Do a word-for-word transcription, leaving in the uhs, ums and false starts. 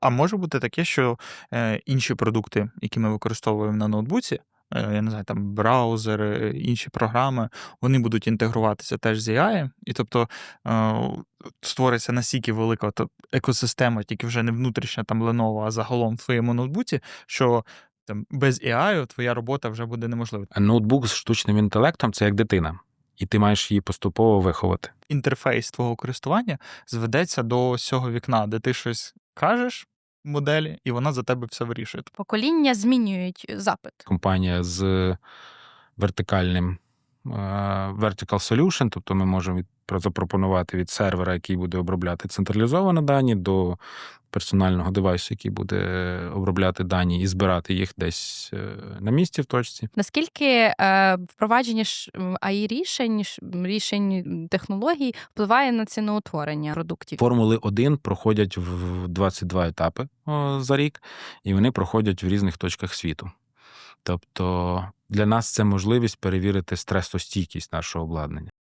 А може бути таке, що, е, інші продукти, які ми використовуємо на ноутбуці, е, я не знаю, там браузери, інші програми, вони будуть інтегруватися теж з ей ай, і тобто, е, створиться настільки велика от екосистема, тільки вже не внутрішня там Lenovo, а загалом в твоєму ноутбуці, що там без ей ай твоя робота вже буде неможлива. Ноутбук з штучним інтелектом – це як дитина, і ти маєш її поступово виховати. Інтерфейс твого користування зведеться до ось цього вікна, де ти щось кажеш моделі, і вона за тебе все вирішує. Покоління змінюють запит. Компанія з вертикальним е, vertical solution, тобто ми можемо від, запропонувати від сервера, який буде обробляти централізовані дані, до персонального девайсу, який буде обробляти дані і збирати їх десь е, на місці в точці. Наскільки е, впровадження ж ей ай-рішень, рішень технологій впливає на ціноутворення продуктів? Формули один проходять в двадцять два етапи о, за рік, і вони проходять в різних точках світу. Тобто для нас це можливість перевірити стресостійкість нашого обладнання.